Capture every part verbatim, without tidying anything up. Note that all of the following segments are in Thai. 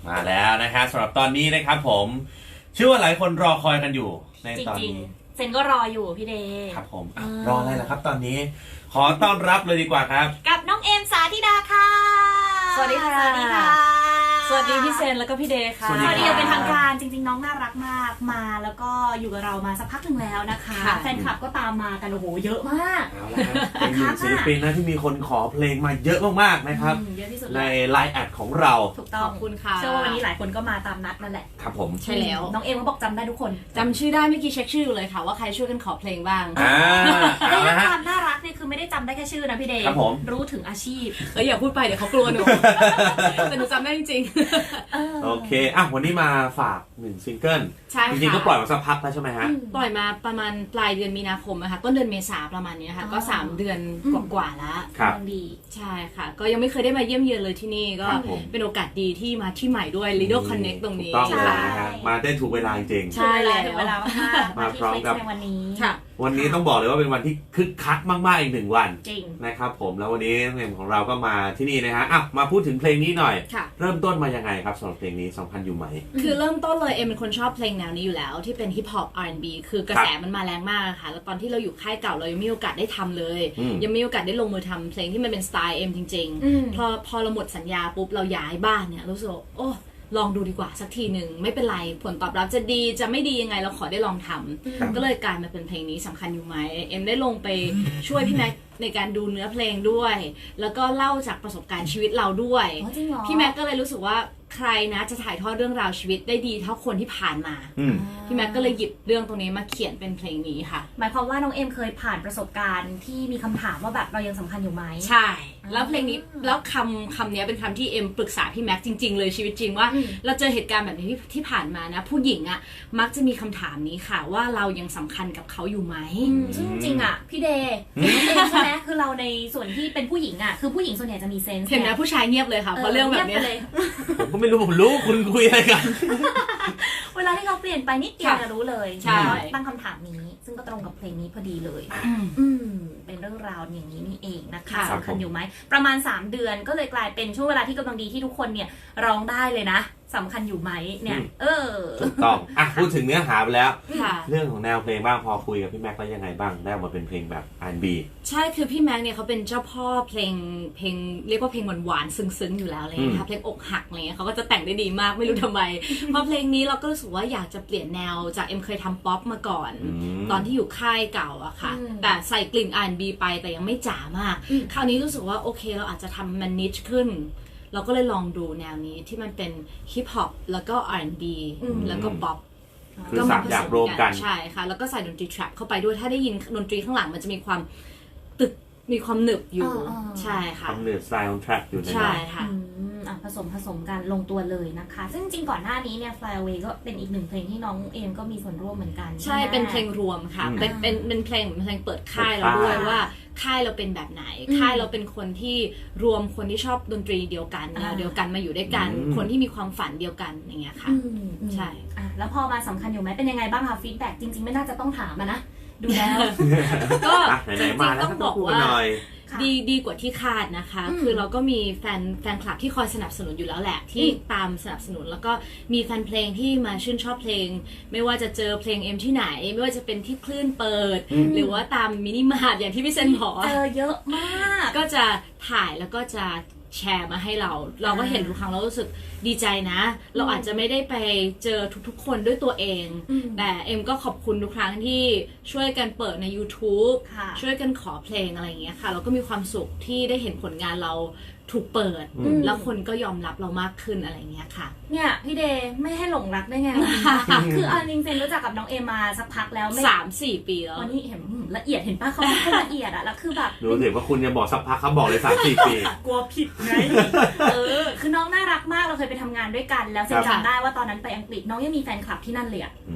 มาแล้วนะครับสำหรับตอนนี้นะครับผมเชื่อว่าหลายคนรอคอยกันอยู่ในตอนนี้เซนก็รออยู่พี่เดย์ครับผมรออะไรล่ะครับตอนนี้ขอต้อนรับเลยดีกว่าครับกับน้องเอมสาธิดาค่ะสวัสดีค่ะสวัสดีค่ะสวัสดีพี่เซนแล้วก็พี่เดย์ค่ะสวัสดีเป็นทางการจริงๆน้องน่ารักมากมาแล้วก็อยู่กับเรามาสักพักหนึ่งแล้วนะคะแฟนคลับก็ตามมากันโอ้โหเยอะมากเอาละเป็นหนึ่งศิลปินนะที่มีคนขอเพลงมาเยอะมากๆนะครับเยอะที่สุดในไลน์แอดของเราถูกต้องขอบคุณค่ะเชื่อว่าวันนี้หลายคนก็มาตามนัดนั่นแหละครับผมใช่แล้วน้องเอมก็บอกจำได้ทุกคนจำชื่อได้เมื่อกี้เช็คชื่อเลยค่ะว่าใครช่วยกันขอเพลงบ้างอ่าแล้วความน่ารักเนี่ยคือไม่ได้จำได้แค่ชื่อนะพี่เดย์รู้ถึงอาชีพเอออย่าพูดไปเดี๋ยวเขากลัวหนูแต่หนูจำได้จริงๆโอเคอ่ะวันนี้มาฝากหนึ่งซิงเกิลใช่ค่ะจริงๆก็ปล่อยมาสักพักแล้วใช่ไหมฮะปล่อยมาประมาณปลายเดือนมีนาคมนะคะต้นเดือนเมษาประมาณนี้ค่ะก็สามเดือนกว่าๆแล้วครับดีใช่ค่ะก็ยังไม่เคยได้มาเยี่ยมเยือนเลยที่นี่ก็เป็นโอกาสดีที่มาที่ใหม่ด้วย Lido Connect ตรงนี้ใช่มาได้ถูกเวลาจริงใช่แล้วเวลามากมาพร้อมกับวันนี้วันนี้ต้องบอกเลยว่าเป็นวันที่คึกคักมากๆอีกหนึ่งวันจริงนะครับผมแล้ววันนี้เพลงของเราก็มาที่นี่นะฮะอ่ะมาพูดถึงเพลงนี้หน่อยเริ่มต้นมายังไงครับสำหรับเพลงนี้สำคัญอยู่ไหมคือเริ่มต้นเลยเอ็มเป็นคนชอบเพลงแนวนี้อยู่แล้วที่เป็นฮิปฮอป อาร์ แอนด์ บี คือกระแสมันมาแรงมากค่ะแล้วตอนที่เราอยู่ค่ายเก่าเรายังไม่มีโอกาสได้ทำเลยยังไม่มีโอกาสได้ลงมือทำเพลงที่มันเป็นสไตล์เอ็มจริงๆพอพอเราหมดสัญญาปุ๊บเราย้ายบ้านเนี่ยรู้สึกโอ้ลองดูดีกว่าสักทีหนึ่งไม่เป็นไรผลตอบรับจะดีจะไม่ดียังไงเราขอได้ลองทำก็เลยกลายมาเป็นเพลงนี้สำคัญอยู่ไหมเอ็มได้ลงไปช่วยพี่แม็กในการดูเนื้อเพลงด้วยแล้วก็เล่าจากประสบการณ์ชีวิตเราด้วยพี่แม็กก็เลยรู้สึกว่าใครนะจะถ่ายทอดเรื่องราวชีวิตได้ดีเท่าคนที่ผ่านมาพี่แม็กก็เลยหยิบเรื่องตรงนี้มาเขียนเป็นเพลงนี้ค่ะหมายความว่าน้องเอ็มเคยผ่านประสบการณ์ที่มีคำถามว่าแบบเรายังสำคัญอยู่ไหมใช่แล้วเพลงนี้แล้วคำคำนี้เป็นคำที่เอ็มปรึกษาพี่แม็กจริงๆเลยชีวิตจริงว่าเราเจอเหตุการณ์แบบนี้ที่ที่ผ่านมานะผู้หญิงอ่ะมักจะมีคำถามนี้ค่ะว่าเรายังสำคัญกับเขาอยู่ไหมซึ่งจริงอ่ะพี่เดย์ใช่ไหมคือเราในส่วนที่เป็นผู้หญิงอ่ะคือผู้หญิงส่วนใหญ่จะมีเซนส์เห็นไหมผู้ชายเงียบเลยค่ะเพราะเรื่องแบบนี้ผมก็ไม่รู้ผมรู้คุณคุยอะไรกันเวลาที่เขาเปลี่ยนไปนิดเดียวจะรู้เลยตั้งคำถามนี้ซึ่งก็ตรงกับเพลงนี้พอดีเลยอืมเป็นเรื่องราวอย่างนี้นี่เองนะคะสำคัญอยู่ไหมประมาณสามเดือนก็เลยกลายเป็นช่วงเวลาที่กำลังดีที่ทุกคนเนี่ยร้องได้เลยนะสำคัญอยู่ไหมเนี่ยเออถูกต้องอ่ะพูดถึงเนื้อหาไปแล้วเรื่องของแนวเพลงบ้างพอคุยกับพี่แม็กซ์แล้วยังไงบ้างได้มาเป็นเพลงแบบ อาร์ แอนด์ บีใช่คือพี่แม็กซ์เนี่ยเขาเป็นเจ้าพ่อเพลงเพลงเรียกว่าเพลงหวานๆซึ้งๆอยู่แล้วเลยนะคะเพลงอกหักอะไรเงี้ยเขาก็จะแต่งได้ดีมากไม่รู้ทำไมพอเพลงนี้เราก็รู้สึกว่าอยากจะเปลี่ยนแนวจากเอ็มเคยทำป๊อปมาก่อนตอนที่อยู่ค่ายเก่าอะค่ะแต่ใส่กลิ่น อาร์ แอนด์ บี ไปแต่ยังไม่จ๋ามากคราวนี้รู้สึกว่าโอเคเราอาจจะทำมันนิชขึ้นเราก็เลยลองดูแนวนี้ที่มันเป็นฮิปฮอปแล้วก็ อาร์ แอนด์ บี แล้วก็ป๊อปคือสามอย่างรวมกันใช่ค่ะแล้วก็ใส่ดนตรีแทร็ปเข้าไปด้วยถ้าได้ยินดนตรีข้างหลังมันจะมีความตึกมีความหนึบอยู่ใช่ค่ะความหนึบสไตล์ของแทร็ปอยู่ในนั้นใช่ค่ะผสมผสมกันลงตัวเลยนะคะซึ่งจริงก่อนหน้านี้เนี่ย Fly Away ก็เป็นอีกหนึ่งเพลงที่น้องเอมก็มีส่วนร่วมเหมือนกันใช่เป็นเพลงรวมค่ะเป็นเป็นเป็นเพลงเหมือนเพลงเปิดค่ายเราด้วยว่าค่ายเราเป็นแบบไหนค่ายเราเป็นคนที่รวมคนที่ชอบดนตรีเดียวกันแนวเดียวกันมาอยู่ด้วยกันคนที่มีความฝันเดียวกันอย่างเงี้ยค่ะใช่แล้วพอมาสำคัญอยู่ไหมเป็นยังไงบ้างคะฟีดแบ็กจริงๆไม่น่าจะต้องถามนะดูแล้วก็จริงๆต้องบอกว่าดีดีกว่าที่คาดนะคะคือเราก็มีแฟนแฟนคลับที่คอยสนับสนุนอยู่แล้วแหละที่ตามสนับสนุนแล้วก็มีแฟนเพลงที่มาชื่นชอบเพลงไม่ว่าจะเจอเพลงเอ็มที่ไหนไม่ว่าจะเป็นที่คลื่นเปิดหรือว่าตามมินิมาร์ทอย่างที่พี่เซนบอกเจอเยอะมากก็จะถ่ายแล้วก็จะแชร์มาให้เราเราก็เห็นทุกครั้งเรารู้สึกดีใจนะเราอาจจะไม่ได้ไปเจอทุกๆคนด้วยตัวเองแต่เอ็มก็ขอบคุณทุกครั้งที่ช่วยกันเปิดใน YouTube ช่วยกันขอเพลงอะไรอย่างเงี้ยค่ะเราก็มีความสุขที่ได้เห็นผลงานเราถูกเปิดแล้วคนก็ยอมรับเรามากขึ้นอะไรเงี้ยค่ะเนี่ยพี่เดย์ไม่ให้หลงรักได้ไง คือเอาจริงๆรู้จักกับน้องเอมาสักพักแล้วสามสี่ปีแล้ววันนี้เห็นละเอียดเห็นป้าเขาพูดละเอียดอะแล้วคือแบบรู้สึกว่าคุณจะบอกสักพักเขาบอกเลยสามสี่ปีกลัวผิดไงเออคือน้องน่ารักมากเราเคยไปทำงานด้วยกันแล้วเซนจำได้ว่าตอนนั้นไปอังกฤษน้องยังมีแฟนคลับที่นั่นเลยอะ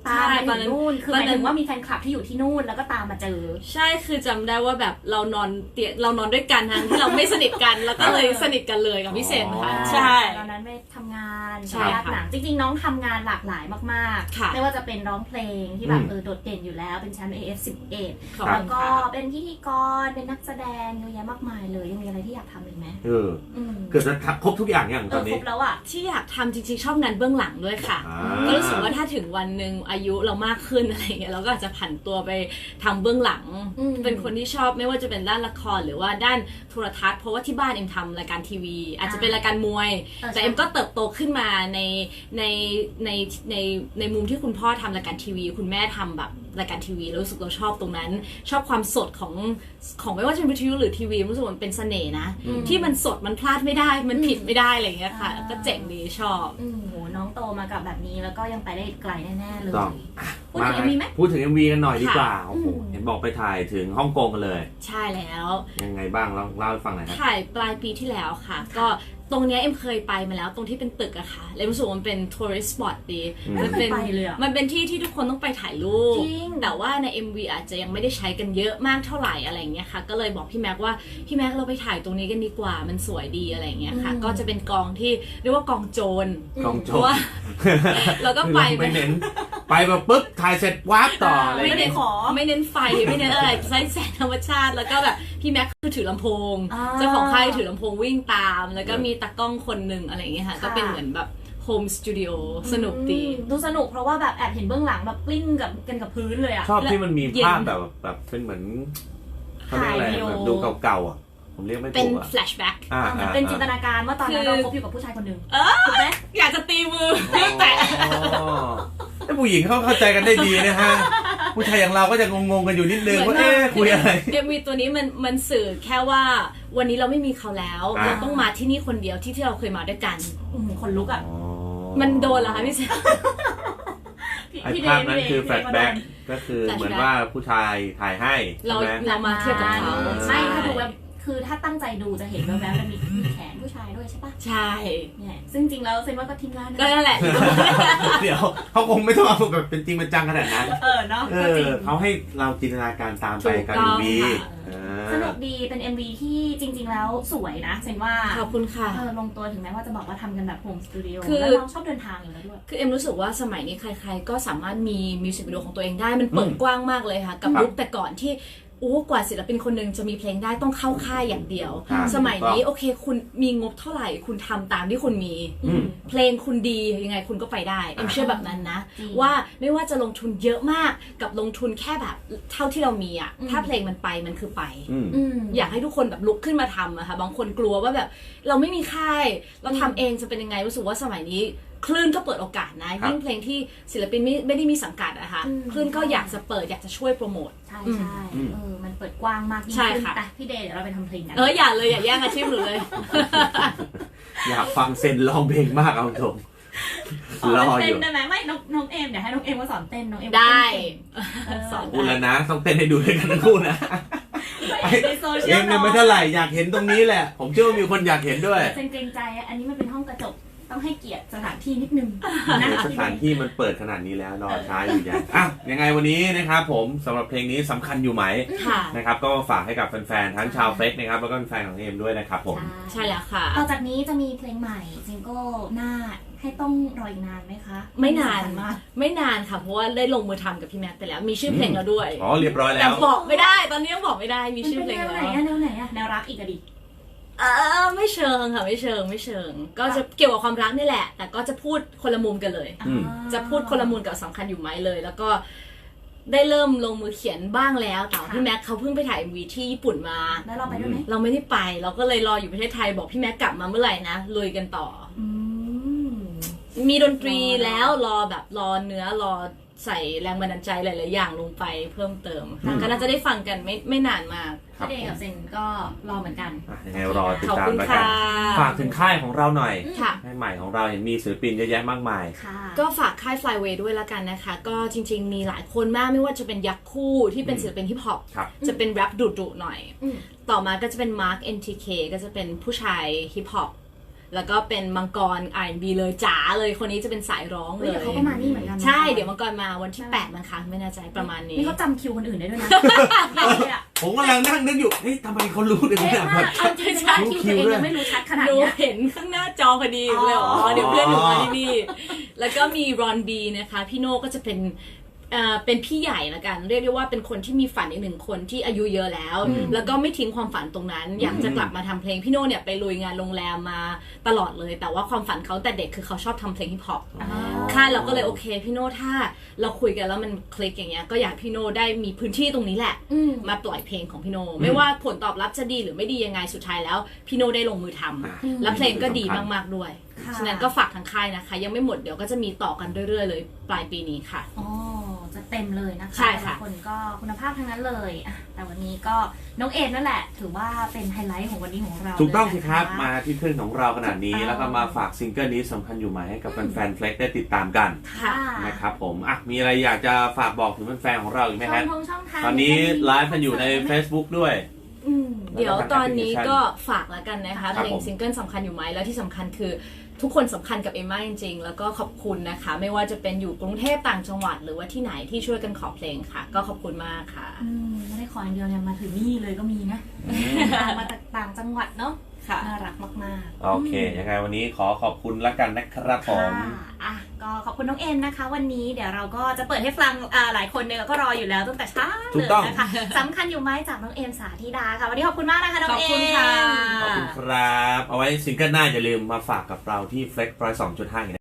ตามมาถึงนู่นคือหมายถึงว่ามีแฟนคลับที่อยู่ที่นู่นแล้วก็ตามมาเจอใช่คือจำได้ว่าแบบเรานอนเตียงเรานอนด้วยกันทั้งที่เราไม่สนิทกันแล้วก็เลยสนิทกันเลยกับพี่เซนค่ะใช่ตอนนั้นไม่ทำงานใช่ค่ะหนังจริงๆน้องทำงานหลากหลายมากๆไม่ว่าจะเป็นร้องเพลงที่แบบเออโดดเด่นอยู่แล้วเป็นแชมป์ เอ เอฟ สิบเอ็ดแล้วก็เป็นพิธีกรเป็นนักแสดงเยอะแยะมากมายเลยยังมีอะไรที่อยากทำอีกไหมเออเกือบจะครบทุกอย่างอย่างตอนนี้ครบแล้วอะที่อยากทำจริงๆชอบงานเบื้องหลังด้วยค่ะก็รู้สึกว่าถ้าถึงวันหนึ่งอายุเรามากขึ้นอะไรเงี้ยเราก็อาจจะผันตัวไปทำเบื้องหลังเป็นคนที่ชอบไม่ว่าจะเป็นด้านละครหรือว่าด้านโทรทัศน์เพราะว่าที่บ้านเอ็มทำรายการทีวีอาจจะเป็นรายการมวยแต่เอ็มก็เติบโตขึ้นมาในในในในในมุมที่คุณพ่อทำรายการทีวีคุณแม่ทำแบบรายการทีวีรู้สึกเราชอบตรงนั้นชอบความสดของของไม่ว่าจะเป็นวิทยุหรือทีวีรู้สึกมันเป็นเสน่ห์นะที่มันสดมันพลาดไม่ได้มันผิดไม่ได้อะไรเงี้ยค่ะก็เจ๋งดีชอบโอ้โหน้องโตมากับแบบนี้แล้วก็ยังไปได้ไกลแน่ๆเลยพูดถึงเอ็ม วีไหมพูดถึง เอ็ม วี กันหน่อยดีกว่าโอ้โหเห็นบอกไปถ่ายถึงฮ่องกงกันเลยใช่แล้วยังไงบ้างลองเล่าให้ฟังหน่อยครับถ่ายปลายปีที่แล้วค่ะก็ตรงนี้เอ็มเคยไปมาแล้วตรงที่เป็นตึกอะค่ะเลยรู้สึกว่ามันเป็นทัวริสต์สปอตดีมันเป็นมันเป็นที่ที่ทุกคนต้องไปถ่ายรูปแต่ว่าใน เอ็ม วี อาจจะยังไม่ได้ใช้กันเยอะมากเท่าไหร่อะไรเงี้ยค่ะก็เลยบอกพี่แม็กว่าพี่แม็กเราไปถ่ายตรงนี้กันดีกว่ามันสวยดีอะไรเงี้ยค่ะก็จะเป็นกองที่เรียกว่ากองโจรกองโจรเราก็ไปไม่เน้นไปแบบปึ๊บถ่ายเสร็จวาร์ปต่ออะไรไม่เน้นขอไม่เน้นไฟไม่เน้นอะไรใช้แสงธรรมชาติแล้วก็แบบพี่แม็กคือถือลำโพงเจ้าของค่ายถือลำโพงวิ่งตามแล้วก็มีตากล้องคนหนึ่งอะไรอย่างเงี้ยค่ะก็เป็นเหมือนแบบโฮมสตูดิโอสนุกดีดูสนุกเพราะว่าแบบแอบเห็นเบื้องหลังแบบกลิ้งกับกันกับพื้นเลยอะชอบที่มันมีภาพแบบแบบเป็นเหมือนเขาเรียกอะไรแบบดูเก่าๆอ่ะผมเรียกไม่ถูกเป็นแฟลชแบ็กเป็นจินตนาการว่าตอนนั้นเราคบอยู่กับผู้ชายคนหนึ่งถูกไหมอยากจะตีมือแต่แต่ผู้หญิงเขาเข้าใจกันได้ดีนะฮะผู้ชายอย่างเราก็จะงงๆกันอยู่นิดนึงว่าเอ๊ะคุยอะไรเอ็มวีตัวนี้มันมันสื่อแค่ว่าวันนี้เราไม่มีเขาแล้วเราต้องมาที่นี่คนเดียวที่ที่เราเคยมาด้วยกันคนลุกอ่ะมันโดนเหรอคะพี่เซนไอ้ภาพนั้นคือแฟลชแบ็กก็คือเหมือนว่าผู้ชายถ่ายให้เราเรามาเทียบกับเขาไม่ถ้าดูแบบคือถ้าตั้งใจดูจะเห็นแวบๆมันมีแขนผู้ชายด้วยใช่ปะใช่เนี่ยซึ่งจริงแล้วเซนว่าก็ทีมงานก็นั่นแหละเดี๋ยวเขาคงไม่ต้องเอาแบบเป็นจริงเป็นจังขนาดนั้นเออเนาะเขาให้เราจินตนาการตามไปกับ เอ็ม วีสนุกดีเป็น เอ็ม วี ที่จริงๆแล้วสวยนะเซนว่าขอบคุณค่ะเออลงตัวถึงแม้ว่าจะบอกว่าทำกันแบบโฮมสตูดิโอแล้วเราชอบเดินทางอยู่แล้วด้วยคือเอ็มรู้สึกว่าสมัยนี้ใครๆก็สามารถมีมิวสิกวิดีโอของตัวเองได้มันเปิดกว้างมากเลยค่ะกับยุคแต่ก่อนที่โอ้กว่าศิลปินคนหนึ่งจะมีเพลงได้ต้องเข้าค่ายอย่างเดียวสมัยนี้โอเคคุณมีงบเท่าไหร่คุณทำตามที่คุณมีเพลงคุณดียังไงคุณก็ไปได้เอ็มเชื่อแบบนั้นนะว่าไม่ว่าจะลงทุนเยอะมากกับลงทุนแค่แบบเท่าที่เรามีอะถ้าเพลงมันไปมันคือไปอยากให้ทุกคนแบบลุกขึ้นมาทำอะค่ะบางคนกลัวว่าแบบเราไม่มีค่ายเราทำเองจะเป็นยังไงรู้สึกว่าสมัยนี้คลื่นก็เปิดโอกาสนะยิ่งเพลงที่ศิลปินไม่ไม่ได้มีสังกัดอะค่ะคลื่นก็อยากจะเปิดอยากจะช่วยโปรโมทใช่ใช่เออมันเปิดกว้างมากยิ่งขึ้นแต่พี่เดย์เดี๋ยวเราไปทำเพลงกันเอออย่าเลยอย่าแย่งอาชีพหนูเลยอยากฟังเซนร้องเพลงมากเอาตรงรออยู่ได้ไหมไม่น้องน้องเอมเดี๋ยวให้น้องเอมมาสอนเต้นน้องเอมได้สอนพูดแล้วนะต้องเต้นให้ดูด้วยกันทั้งคู่นะในโซเชียลเองเนี่ยไม่เท่าไหร่อยากเห็นตรงนี้แหละผมเชื่อว่ามีคนอยากเห็นด้วยเกรงใจอันนี้มันเป็นห้องกระจกต้องให้เกียรติสถานที่นิดนึงสถานที่มันเปิดขนาดนี้แล้วรอช้าอยู่ยังอ่ะยังไงวันนี้นะครับผมสำหรับเพลงนี้สำคัญอยู่ไหมนะครับก็ฝากให้กับแฟนๆทั้งชาวเฟซนะครับแล้วก็แฟนของเอมด้วยนะครับผมใช่แล้วค่ะต่อจากนี้จะมีเพลงใหม่ซิงเกิลหน้าให้ต้องรออีกนานไหมคะไม่นานไม่นานค่ะเพราะว่าได้ลงมือทำกับพี่แม็กไปแล้วมีชื่อเพลงแล้วด้วยอ๋อเรียบร้อยแล้วแต่บอกไม่ได้ตอนนี้ยังบอกไม่ได้มีชื่อเพลงแล้วแนวไหนอะแนวไหนอะแนวรักอีกอะดิเออไม่เชิงค่ะไม่เชิงไม่เชิงก็จะเกี่ยวกับความรักนี่แหละแต่ก็จะพูดคนละมุมกันเลยจะพูดคนละมุมกับสำคัญอยู่ไหมเลยแล้วก็ได้เริ่มลงมือเขียนบ้างแล้วแต่พี่แม็กเขาเพิ่งไปถ่าย เอ็ม วี ที่ญี่ปุ่นมาแล้วเราไปด้วยไหมเราไม่ได้ไปเราก็เลยรออยู่ประเทศไทยบอกพี่แม็กกลับมาเมื่อไหร่นะลุยกันต่อมีดนตรีแล้วรอแบบรอเนื้อรอใส่แรงบันดาลใจหลายๆอย่างลงไปเพิ่มเติมก็น่าจะได้ฟังกันไม่ไม่นานมากพี่เดย์กับเซนก็รอเหมือนกันยังไงรอติดตามแล้วกันฝากถึงค่ายของเราหน่อยค่ายใหม่ของเราเห็นมีศิลปินเยอะแยะมากมายก็ฝากค่าย Flyway ด้วยแล้วกันนะคะก็จริงๆมีหลายคนมากไม่ว่าจะเป็นยักษ์คู่ที่เป็นศิลปินฮิปฮอปจะเป็นแรปดุๆหน่อยต่อมาก็จะเป็น Mark เอ็น ที เค ก็จะเป็นผู้ชายฮิปฮอปแล้วก็เป็นมังกร อาร์ แอนด์ บี เลยจ๋าเลยคนนี้จะเป็นสายร้องเลยเดี๋ยวเขาก็มานี่เหมือนกันใช่เดี๋ยวมังกรมาวันที่แปดมั้งคะไม่แน่ใจประมาณนี้นี่เขาจำคิวคนอื่นได้ด้วยนะผมกำลังนั่งนึกอยู่เฮ้ยทำไมเขารู้ได้ขนาดนั้นเอาจริงๆคิวตัวเองยังไม่รู้ชัดขนาดหนูนี้เห็นข้างหน้าจอพอดีเลยอ๋อเดี๋ยวเพื่อนหนูมาที่นี่แล้วก็มีรอนบีนะคะพี่โน่ก็จะเป็นเป็นพี่ใหญ่ละกันเรียกได้ว่าเป็นคนที่มีฝันอีกหนึ่งคนที่อายุเยอะแล้วแล้วก็ไม่ทิ้งความฝันตรงนั้นอยากจะกลับมาทำเพลงพี่โน่เนี่ยไปลุยงานโรงแรมมาตลอดเลยแต่ว่าความฝันเขาแต่เด็กคือเขาชอบทำเพลงฮิปฮอปค่ะเราก็เลยโอเคพี่โน่ถ้าเราคุยกันแล้วมันคลิกอย่างเงี้ยก็อยากพี่โน่ได้มีพื้นที่ตรงนี้แหละมาปล่อยเพลงของพี่โน่ไม่ว่าผลตอบรับจะดีหรือไม่ดียังไงสุดท้ายแล้วพี่โน่ได้ลงมือทำและเพลงก็ดีมากๆด้วยฉะนั้นก็ฝากทางค่ายนะคะยังไม่หมดเดี๋ยวก็จะมีต่อกันเรื่อยๆเลยปลายปีนี้ค่ะอ๋อจะเต็มเลยนะคะใช่ค่ะคนก็คุณภาพทั้งนั้นเลยแต่วันนี้ก็น้องเอมนั่นแหละถือว่าเป็นไฮไลท์ของวันนี้ของเราถูกต้องสิครับมาที่คลื่นของเราขนาดนี้แล้วก็มาฝากซิงเกิลนี้สำคัญอยู่ไหมให้กับแฟนๆ Flex ได้ติดตามกันนะครับผมอ่ะมีอะไรอยากจะฝากบอกถึงแฟนๆของเราอีกไหมครับตอนนี้ไลฟ์กันอยู่ใน Facebook ด้วยเดี๋ยวตอนนี้ก็ฝากแล้วกันนะคะเพลงซิงเกิลสำคัญอยู่ไหมแล้วที่สำคัญคือทุกคนสำคัญกับเอมม่าจริงๆแล้วก็ขอบคุณนะคะไม่ว่าจะเป็นอยู่กรุงเทพต่างจังหวัดหรือว่าที่ไหนที่ช่วยกันขอเพลงค่ะก็ขอบคุณมากค่ะไม่ได้ขออย่างเดียวเนี่ยมาถึงนี่เลยก็มีนะมาจากต่างจังหวัดเนาะน่ารักมากๆโอเคยังไงวันนี้ขอขอบคุณละกันนะครับผมอ่ะก็ขอบคุณน้องเอ็มนะคะวันนี้เดี๋ยวเราก็จะเปิดให้ฟังหลายคนเนี่ยก็รออยู่แล้วตั้งแต่เช้าเลยนะคะสำคัญอยู่ไหมจากน้องเอ็มสาธิดาค่ะวันนี้ขอบคุณมากนะคะน้องเอ็มขอบคุณค่ะขอบคุณครับเอาไว้ซิงเกิลหน้าอย่าลืมมาฝากกับเราที่ Flex หนึ่งร้อยสองจุดห้า